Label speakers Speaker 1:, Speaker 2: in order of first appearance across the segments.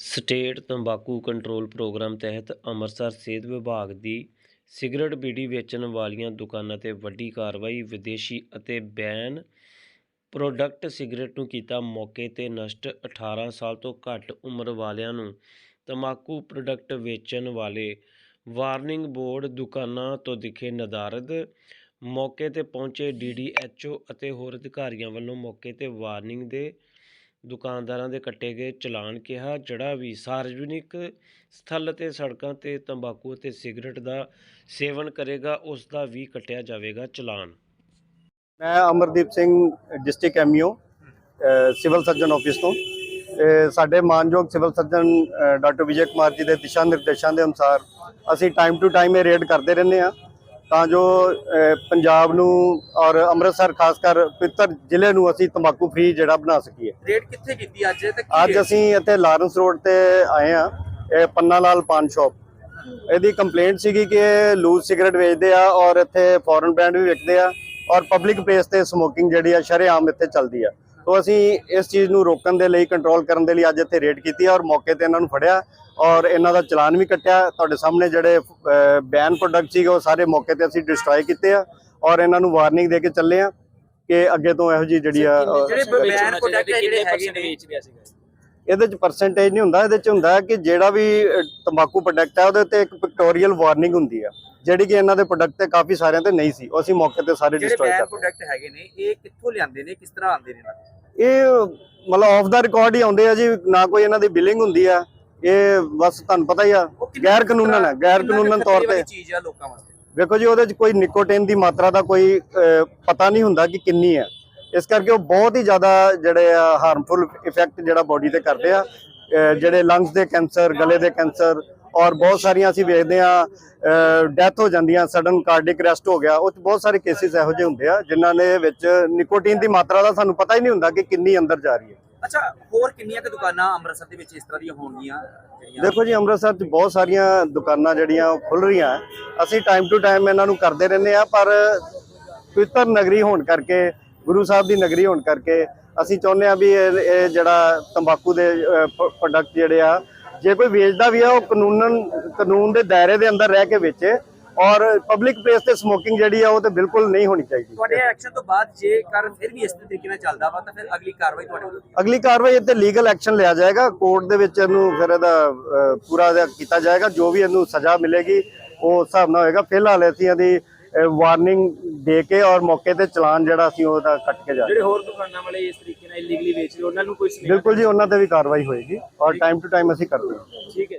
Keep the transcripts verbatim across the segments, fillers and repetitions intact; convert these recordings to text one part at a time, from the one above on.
Speaker 1: State ਤੰਬਾਕੂ control programme ਤਹਿਤ ਅੰਮ੍ਰਿਤਸਰ ਸਿਹਤ ਵਿਭਾਗ ਦੀ ਸਿਗਰਟ ਬੀੜੀ ਵੇਚਣ ਵਾਲੀਆਂ ਦੁਕਾਨਾਂ 'ਤੇ ਵੱਡੀ ਕਾਰਵਾਈ। ਵਿਦੇਸ਼ੀ ਅਤੇ ਬੈਨ ਪ੍ਰੋਡਕਟ ਸਿਗਰਟ ਨੂੰ ਕੀਤਾ ਮੌਕੇ 'ਤੇ ਨਸ਼ਟ। ਅਠਾਰਾਂ ਸਾਲ ਤੋਂ ਘੱਟ ਉਮਰ ਵਾਲਿਆਂ ਨੂੰ ਤੰਬਾਕੂ ਪ੍ਰੋਡਕਟ ਵੇਚਣ ਵਾਲੇ ਵਾਰਨਿੰਗ ਬੋਰਡ ਦੁਕਾਨਾਂ ਤੋਂ ਦਿਖੇ ਨਦਾਰਦ। ਮੌਕੇ 'ਤੇ ਪਹੁੰਚੇ ਡੀ ਡੀ ਐੱਚ ਓ ਅਤੇ ਹੋਰ ਅਧਿਕਾਰੀਆਂ ਵੱਲੋਂ ਮੌਕੇ 'ਤੇ ਵਾਰਨਿੰਗ ਦੇ ਦੁਕਾਨਦਾਰਾਂ ਦੇ ਕੱਟੇ ਗਏ ਚਲਾਨ। ਕਿਹਾ, ਜਿਹੜਾ ਵੀ ਸਾਰਵਜਨਿਕ ਸਥਲ ਅਤੇ ਸੜਕਾਂ 'ਤੇ ਤੰਬਾਕੂ ਅਤੇ ਸਿਗਰਟ ਦਾ ਸੇਵਨ ਕਰੇਗਾ ਉਸ ਦਾ ਵੀ ਕੱਟਿਆ ਜਾਵੇਗਾ ਚਲਾਨ।
Speaker 2: ਮੈਂ Amardeep Singh, district M E O civil surgeon office ਤੋਂ। ਸਾਡੇ ਮਾਨਯੋਗ civil surgeon doctor Vijay Kumar ji ਦੇ ਦਿਸ਼ਾ ਨਿਰਦੇਸ਼ਾਂ ਦੇ ਅਨੁਸਾਰ ਅਸੀਂ ਟਾਈਮ ਟੂ ਟਾਈਮ ਇਹ ਰੇਡ ਕਰਦੇ ਰਹਿੰਦੇ ਹਾਂ ਤਾਂ ਜੋ ਪੰਜਾਬ ਨੂੰ ਔਰ ਅੰਮ੍ਰਿਤਸਰ ਖਾਸ ਕਰ ਪਵਿੱਤਰ ਜ਼ਿਲ੍ਹੇ ਨੂੰ ਅਸੀਂ ਤੰਬਾਕੂ ਫ੍ਰੀ ਜਿਹੜਾ ਬਣਾ ਸਕੀਏ।
Speaker 3: ਰੇਡ ਕਿੱਥੇ ਕੀਤੀ ਅੱਜ ਤੇ
Speaker 2: ਅੱਜ ਅਸੀਂ ਇੱਥੇ ਲਾਰੈਂਸ ਰੋਡ ਤੇ ਆਏ ਹਾਂ, ਇਹ ਪੰਨਾ ਲਾਲ ਪਾਨ ਸ਼ਾਪ। ਇਹਦੀ ਕੰਪਲੇਂਟ ਸੀਗੀ ਕਿ ਇਹ ਲੂਜ਼ ਸਿਗਰਟ ਵੇਚਦੇ ਆ ਔਰ ਇੱਥੇ ਫੋਰਨ ਬ੍ਰਾਂਡ ਵੀ ਵਿਕਦੇ ਆ ਔਰ ਪਬਲਿਕ ਪਲੇਸ ਤੇ ਸਮੋਕਿੰਗ ਜਿਹੜੀ ਆ ਸ਼ਰੇਆਮ ਇੱਥੇ ਚੱਲਦੀ ਆ। तो ਅਸੀਂ ਇਸ ਚੀਜ਼ ਨੂੰ ਰੋਕਣ ਦੇ ਲਈ, ਕੰਟਰੋਲ ਕਰਨ ਦੇ ਲਈ ਅੱਜ ਇੱਥੇ ਰੇਡ ਕੀਤੀ ਔਰ ਮੌਕੇ ਤੇ ਇਹਨਾਂ ਨੂੰ ਫੜਿਆ ਔਰ ਇਹਨਾਂ ਦਾ ਚਲਾਨ ਵੀ ਕੱਟਿਆ। ਤੁਹਾਡੇ ਸਾਹਮਣੇ ਜਿਹੜੇ ਬੈਨ ਪ੍ਰੋਡਕਟ ਸੀਗੇ ਉਹ ਸਾਰੇ ਮੌਕੇ ਤੇ ਅਸੀਂ ਡਿਸਟਰੋਏ ਕੀਤੇ ਆ ਔਰ ਇਹਨਾਂ ਨੂੰ ਵਾਰਨਿੰਗ ਦੇ ਕੇ ਚੱਲੇ ਆ ਕਿ ਅੱਗੇ ਤੋਂ ਇਹੋ ਜਿਹੀ ਜਿਹੜੀ ਆ
Speaker 3: ਜਿਹੜੇ ਬੈਨ ਪ੍ਰੋਡਕਟ ਜਿਹੜੇ ਹੈਗੇ ਨੇ ਵੇਚ ਰਿਹਾ ਸੀਗਾ।
Speaker 2: ਇਹਦੇ ਚ ਪਰਸੈਂਟੇਜ ਨਹੀਂ ਹੁੰਦਾ, ਇਹਦੇ ਚ ਹੁੰਦਾ ਕਿ ਜਿਹੜਾ ਵੀ ਤੰਬਾਕੂ ਪ੍ਰੋਡਕਟ ਹੈ ਉਹਦੇ ਤੇ ਇੱਕ ਪਿਕਟੋਰੀਅਲ ਵਾਰਨਿੰਗ ਹੁੰਦੀ ਆ ਜਿਹੜੀ ਕਿ ਇਹਨਾਂ ਦੇ ਪ੍ਰੋਡਕਟ ਤੇ ਕਾਫੀ ਸਾਰਿਆਂ ਤੇ ਨਹੀਂ ਸੀ। ਉਹ ਅਸੀਂ ਮੌਕੇ ਤੇ ਸਾਰੇ ਡਿਸਟਰੋਏ ਕਰ ਦਿੱਤੇ।
Speaker 3: ਪ੍ਰੋਡਕਟ ਹੈਗੇ ਨੇ ਇਹ ਕਿੱਥੋਂ ਲਿਆਂਦੇ ਨੇ, ਕਿਸ ਤਰ੍ਹਾਂ ਆਉਂਦੇ ਨੇ?
Speaker 2: ਇਹ ਮਤਲਬ ਆਫ ਦਾ ਰਿਕਾਰਡ ਹੀ ਆਉਂਦੇ ਆ ਜੀ, ਨਾ ਕੋਈ ਇਹਨਾਂ ਦੀ ਬਿਲਿੰਗ ਹੁੰਦੀ ਆ। ਇਹ ਬਸ ਤੁਹਾਨੂੰ ਪਤਾ ਹੀ ਆ ਗੈਰ ਕਾਨੂੰਨ ਹੈ, ਗੈਰ ਕਾਨੂੰਨ ਤੌਰ ਤੇ
Speaker 3: ਚੀਜ਼ ਆ ਲੋਕਾਂ ਵਾਸਤੇ।
Speaker 2: ਵੇਖੋ ਜੀ, ਉਹਦੇ ਚ ਕੋਈ ਨਿਕੋਟਿਨ ਦੀ ਮਾਤਰਾ ਦਾ ਕੋਈ ਪਤਾ ਨਹੀਂ ਹੁੰਦਾ ਕਿ ਕਿੰਨੀ ਹੈ, ਇਸ ਕਰਕੇ ਉਹ ਬਹੁਤ ਹੀ ਜ਼ਿਆਦਾ ਜਿਹੜੇ ਆ ਹਾਰਮਫੁਲ ਇਫੈਕਟ ਜਿਹੜਾ ਬੋਡੀ ਤੇ ਕਰਦੇ ਆ। ਜਿਹੜੇ ਲੰਗਸ ਦੇ ਕੈਂਸਰ, ਗਲੇ ਦੇ ਕੈਂਸਰ ਔਰ ਬਹੁਤ ਸਾਰੀਆਂ ਅਸੀਂ ਵੇਖਦੇ ਆ ਡੈਥ ਹੋ ਜਾਂਦੀਆਂ, ਸਡਨ ਕਾਰਡਿਕ ਅਰੈਸਟ ਹੋ ਗਿਆ। ਉਹ 'ਚ ਬਹੁਤ ਸਾਰੇ ਕੇਸਿਸ ਇਹੋ ਜਿਹੇ ਹੁੰਦੇ ਆ ਜਿਨ੍ਹਾਂ ਦੇ ਵਿੱਚ ਨਿਕੋਟਿਨ ਦੀ ਮਾਤਰਾ ਦਾ ਸਾਨੂੰ ਪਤਾ ਹੀ ਨਹੀਂ ਹੁੰਦਾ ਕਿ ਕਿੰਨੀ ਅੰਦਰ ਜਾ ਰਹੀ ਹੈ।
Speaker 3: ਅੱਛਾ, ਹੋਰ ਕਿੰਨੀਆਂ ਕੁ ਦੁਕਾਨਾਂ ਅੰਮ੍ਰਿਤਸਰ ਦੇ ਵਿੱਚ ਇਸ ਤਰ੍ਹਾਂ ਦੀਆਂ ਹੋਣਗੀਆਂ?
Speaker 2: ਦੇਖੋ ਜੀ, ਅੰਮ੍ਰਿਤਸਰ 'ਚ ਬਹੁਤ ਸਾਰੀਆਂ ਦੁਕਾਨਾਂ ਜਿਹੜੀਆਂ ਖੁੱਲ ਰਹੀਆਂ, ਅਸੀਂ ਟਾਈਮ ਟੂ ਟਾਈਮ ਇਹਨਾਂ ਨੂੰ ਕਰਦੇ ਰਹਿੰਦੇ ਆ। ਪਰ ਪਵਿੱਤਰ ਨਗਰੀ ਹੋਣ ਕਰਕੇ, ਗੁਰੂ ਸਾਹਿਬ ਦੀ ਨਗਰੀ ਹੋਣ ਕਰਕੇ ਅਸੀਂ ਚਾਹੁੰਦੇ ਆ ਵੀ ਇਹ ਜਿਹੜਾ ਤੰਬਾਕੂ ਦੇ ਪ੍ਰੋਡਕਟ ਜਿਹੜੇ ਆ, ਜੇ ਕੋਈ ਵੇਚਦਾ ਵੀ ਆ ਉਹ ਕਾਨੂੰਨ ਕਾਨੂੰਨ ਦੇ ਦਾਇਰੇ ਦੇ ਅੰਦਰ ਰਹਿ ਕੇ ਵੇਚੇ ਔਰ ਪਬਲਿਕ ਪਲੇਸ ਤੇ ਸਮੋਕਿੰਗ ਜਿਹੜੀ ਆ ਉਹ ਤੇ ਬਿਲਕੁਲ ਨਹੀਂ ਹੋਣੀ ਚਾਹੀਦੀ।
Speaker 3: ਤੁਹਾਡੇ ਐਕਸ਼ਨ ਤੋਂ ਬਾਅਦ ਜੇਕਰ ਫਿਰ ਵੀ ਇਸ ਤਰੀਕੇ ਨਾਲ ਚੱਲਦਾ ਵਾ ਤਾਂ ਫਿਰ ਅਗਲੀ ਕਾਰਵਾਈ ਤੁਹਾਡੇ ਵੱਲੋਂ?
Speaker 2: ਅਗਲੀ ਕਾਰਵਾਈ ਇੱਥੇ ਲੀਗਲ ਐਕਸ਼ਨ ਲਿਆ ਜਾਏਗਾ, ਕੋਰਟ ਦੇ ਵਿੱਚ ਇਹਨੂੰ ਫਿਰ ਇਹਦਾ ਪੂਰਾ ਕੀਤਾ ਜਾਏਗਾ। ਜੋ ਵੀ ਇਹਨੂੰ ਸਜ਼ਾ ਮਿਲੇਗੀ ਉਹ ਉਸ ਹਿਸਾਬ ਨਾਲ ਹੋਏਗਾ। ਫਿਲਹਾਲ ਅਸੀਂ ਇਹਦੀ ਵਾਰਨਿੰਗ ਦੇ ਕੇ ਔਰ ਮੌਕੇ ਤੇ ਚਲਾਨ ਜਿਹੜਾ ਅਸੀਂ ਉਹਦਾ ਕੱਟ ਕੇ ਜਾ ਰਹੇ।
Speaker 3: ਜਿਹੜੇ ਹੋਰ ਦੁਕਾਨਾਂ ਵਾਲੇ ਇਸ ਤਰੀਕੇ ਨਾਲ ਇਲੀਗਲੀ ਵੇਚ ਰਹੇ ਉਹਨਾਂ ਨੂੰ ਕੋਈ?
Speaker 2: ਬਿਲਕੁਲ ਜੀ, ਉਹਨਾਂ ਤੇ ਵੀ ਕਾਰਵਾਈ ਹੋਏਗੀ ਔਰ ਟਾਈਮ ਟੂ ਟਾਈਮ ਅਸੀਂ ਕਰਦੇ ਹਾਂ।
Speaker 3: ਠੀਕ ਹੈ।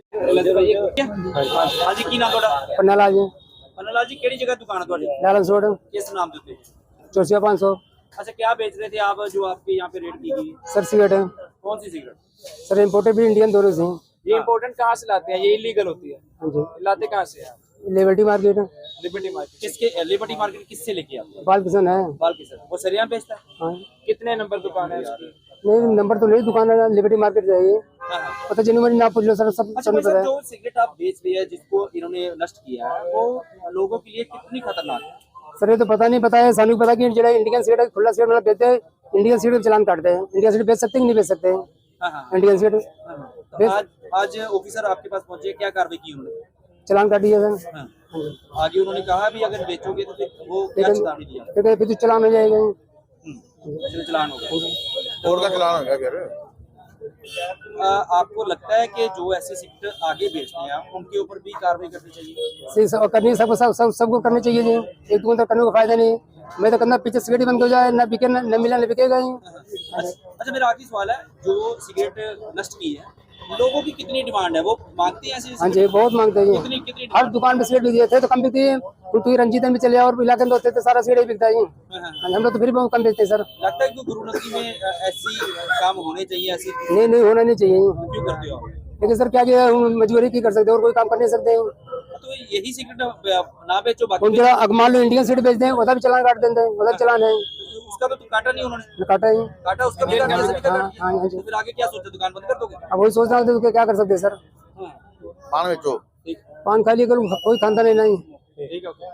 Speaker 3: ਹਾਂਜੀ, ਕੀ ਨਾਮ ਤੁਹਾਡਾ?
Speaker 4: पन्ना लाल जी।
Speaker 3: पन्ना लाल जी, ਕਿਹੜੀ ਜਗ੍ਹਾ ਦੁਕਾਨ ਹੈ ਤੁਹਾਡੀ?
Speaker 4: लारेंस रोड,
Speaker 3: किस नाम ਦੇ ਉੱਤੇ?
Speaker 4: चौसिया पाँच सौ।
Speaker 3: अच्छा, क्या बेच रहे थे आप जो आपके यहाँ पे रेड की गई?
Speaker 4: सर सिगरेट है
Speaker 3: कौन सी सिगरेट?
Speaker 4: सर, इम्पोर्टेड भी इंडियन दोनों से हैं।
Speaker 3: ये इम्पोर्टेंट कहाँ से लाते हैं? ये इलीगल होती है।
Speaker 4: हाँ जी,
Speaker 3: लाते कहाँ से हैं?
Speaker 4: Liberty market,
Speaker 3: Liberty market. किसके? लिबर्टी मार्केट किससे लेके आते?
Speaker 4: बाल किसान है।
Speaker 3: बाल किसान वो सरिया बेचता है?
Speaker 4: हाँ,
Speaker 3: कितने नंबर दुकान है उसकी?
Speaker 4: नहीं नंबर तो नहीं, दुकान है लिबर्टी मार्केट जाइए,
Speaker 3: हाँ हाँ।
Speaker 4: पता जेन्युइन ना पूछ लो सर, सब
Speaker 3: अच्छा
Speaker 4: सब
Speaker 3: भाई
Speaker 4: पता
Speaker 3: साहब,
Speaker 4: है।
Speaker 3: जो सिगरेट आप बेच रहे हैं जिसको इन्होंने नष्ट किया है वो लोगों के लिए कितनी खतरनाक है?
Speaker 4: सर ये तो पता नहीं, पता है सानू पता कि जो इंडियन सिगरेट खुला सिगरेट मतलब बेचते हैं, इंडियन सिगरेट चलान काटते हैं। इंडियन सिगरेट बेच सकते हैं कि नहीं बेच सकते हैं?
Speaker 3: हाँ हाँ।
Speaker 4: इंडियन सिगरेट
Speaker 3: आज आज ऑफिसर आपके पास पहुंचे, क्या कार्रवाई की उन्होंने?
Speaker 4: चलान काटिए सर।
Speaker 3: हाँ। आगे उन्होंने कहा भी अगर बेचोगे तो फिर वो क्या चेतावनी दिया?
Speaker 4: लेकिन फिर तो चलान हो जाएगा।
Speaker 3: फिर चलान होगा
Speaker 5: और का चलान होगा फिर।
Speaker 3: आ, आपको लगता है कि जो ऐसे सिगरेट आगे बेचते हैं उनके ऊपर भी कार्रवाई करनी चाहिए?
Speaker 4: सही सब करनी, सबको सब सब सबको करनी चाहिए जी। एक दुकान तो करने का फायदा नहीं। मैं तो करना पीछे सिगरेट बंद हो जाए, ना बिके ना न मिला, न बिकेगा ही।
Speaker 3: अच्छा, मेरा आखिरी सवाल है, जो सिगरेट नष्ट की है लोगों की कितनी डिमांड है? वो मांगते हैं ऐसे?
Speaker 4: हाँ जी, बहुत मांगते हैं
Speaker 3: कितनी
Speaker 4: जी।
Speaker 3: कितनी
Speaker 4: हर दुकान पे सिगरेट बिकती है तो कम बिकती है। तू रंजीतन में चले और इलाके में होते तो सारा सिगरेट बिकता है। हम लोग तो फिर भी कम बेचते हैं सर।
Speaker 3: लगता है कि गुरु नगरी में ऐसी काम होने चाहिए? ऐसी
Speaker 4: नहीं नहीं, होना नहीं चाहिए।
Speaker 3: क्यों करते हो आप?
Speaker 4: लेकिन सर क्या किया, मजबूरी की कर सकते हैं और कोई काम कर नहीं सकते हैं।
Speaker 3: तो यही सिगरेट ना बेचो, बाकी
Speaker 4: उन जगह मान लो इंडियन सिगरेट बेचते हैं, उसका भी चलान काट देते हैं, उसका चलान है
Speaker 3: उसका तो काटा नहीं उन्होंने?
Speaker 4: काटा ही।
Speaker 3: काटा उसका भी काटा, ऐसे भी काटा।
Speaker 4: हाँ हाँ जी।
Speaker 3: तो फिर आगे क्या सोचते, दुकान बंद कर दोगे?
Speaker 4: अब वही सोच रहा हूँ तो क्या कर सकते हैं सर।
Speaker 5: पान बेचो।
Speaker 4: पान खा लिया कोई खाता नहीं नहीं।
Speaker 3: ठीक है।